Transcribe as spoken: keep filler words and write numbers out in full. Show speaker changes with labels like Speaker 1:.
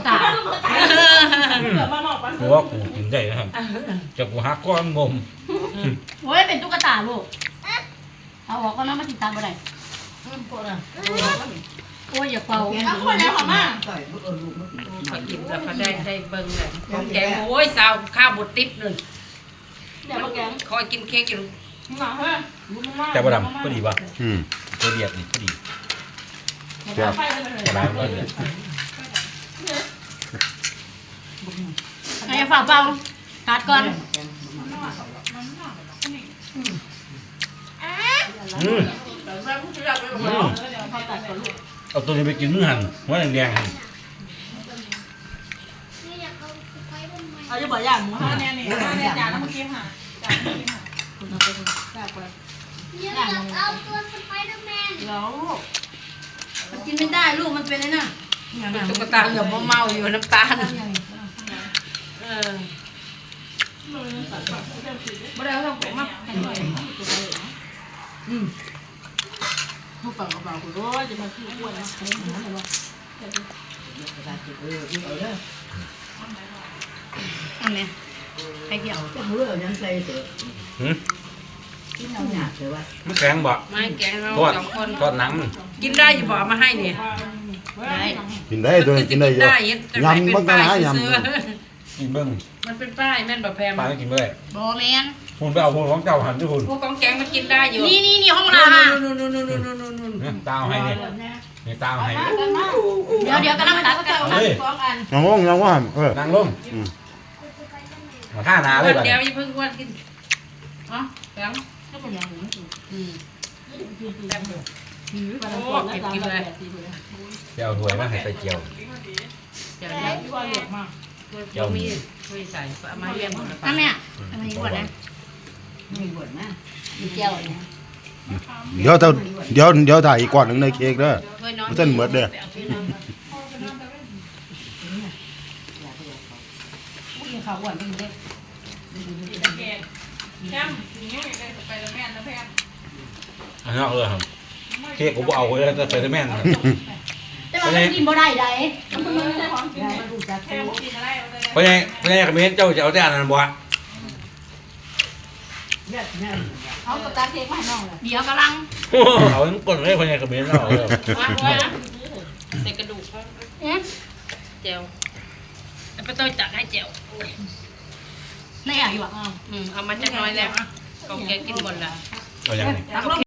Speaker 1: ตา
Speaker 2: กูว่ากูกินได้นะครับจะกูหักก้อนงม
Speaker 1: โอ้ยเป็นตุ๊กตาลูกเอาออกก็น้ำมาติดตามบ่ได้โอ้ยอย่าเป่าเอาคนไหนหอมมาก
Speaker 3: เขากินแล้วเขาได้ได้เบิ้งเลยแกงโอ้ยสาวข้าวบดติ๊บเลย
Speaker 1: เดี๋ยวมาแกง
Speaker 3: คอยกินเค้กอยู่
Speaker 2: แต่บะดำก็ดีป่ะอืมตัวเดียดนี่ก็ดีเจ้าร้านก็เดียด
Speaker 1: ไอ้ฝาเป่าตัดก่อน
Speaker 2: อืมเอาตัวนี้ไปกินมื้อหันว่าแดงๆหัน
Speaker 1: เอาจะบอกอย่างหมูห้าแน่นี่ห้าแน่จานแล้วเมื่อกี้ค่ะจานเมื่อกี้ค่ะคุณเอาไปคุณแซ่บไปอยากเอาตัวสไปเดอร์แมนแล้วมันกินไม่ได้ลูกมันเป็นไอ้น่ะ
Speaker 3: ตุ๊กตาเหลือมเมาอยู่น้ำตาลเออ
Speaker 1: บ่ได้เอาของมาให้หน่อยอืมผู้ฟังเบาๆคุณโอ้ยจะมาขี้อ้วนนะอันนี้ไข่เกี่ยวจะมือยังใส่เถอะ
Speaker 2: หืม
Speaker 1: กินเอาหยาบเถอะวะ
Speaker 2: มันแข็งบ่
Speaker 3: ไม่แกงเราสองคน
Speaker 2: ทอดหนัง
Speaker 3: กินได้อยู่บ่มาให้เนี่ย
Speaker 4: กินได้ตัวกินได้เยอะยำมันก็หายำ
Speaker 2: กินเบิ้ง
Speaker 3: มันเป็นป้ายแม่นแบบแพม
Speaker 2: ปลากินไม่ได้
Speaker 1: โบแมน
Speaker 2: คุณไปเอาพวกของเจ้าหันด้วยคุณ
Speaker 3: พวกกองแกงมันกินได้อยู่
Speaker 1: นี่นี่นี่ห้องเรา
Speaker 3: ค่ะนู่นนู่นนู่นนู่นนู่นนู่น
Speaker 2: ตาให้เนี่ยนี่ตาให้
Speaker 1: เดี๋ยวเดี๋ยวกำลังตัดกันสองอัน
Speaker 4: น้องงน้องว่าเออ
Speaker 2: นั่งลงมาท่านาเลยแบบ
Speaker 3: เดี๋ยวอย่าเพิ่งวันกินอ๋อแกง
Speaker 1: ก็เป็นอย่างนี้
Speaker 3: อืมแซ่บอยู่โอ้เก็บกินเลย
Speaker 2: เจียวถวยมาให้ใส่เจียว
Speaker 3: เจียวเยอะเจียวมีช่วยใส่เอามาเลี้ยงหมดเลย
Speaker 1: ป้าแม่ทำไมบวชนะมีบวชนะมีเจียวเนี่ย
Speaker 4: เดี๋ยวเดี๋ยวเดี๋ยวถ่ายอีกก่อนหนึ่งในเค้กเด้อมันจะเหมือนเด้อ
Speaker 1: ข้าวอ้วนเป็นเด็ก
Speaker 2: อันนั้นเลยครับเค้กผมเอาเลยแต่ไปแม่น
Speaker 1: แต่ว่ากินบ่ได้ได้
Speaker 2: เพราะไงเพราะไงคอมเมนต์เจ้าจะเอาแต่อันนั้นบ่
Speaker 1: เขาก็ตัดเค้กมาให้น้องเลยเดี๋ยวกำลัง
Speaker 2: เอาทั้งกดเลยเพราะไงคอมเมนต์เราเลย
Speaker 3: ใส่กระดูกเจียวไปต้อยจัดให้เจียว
Speaker 1: ในอ่ะอยู่อ่ะ
Speaker 3: อืมเอามาจักน้อยแล้วกองแกงกินหมดละ
Speaker 2: เอาอย่างนี้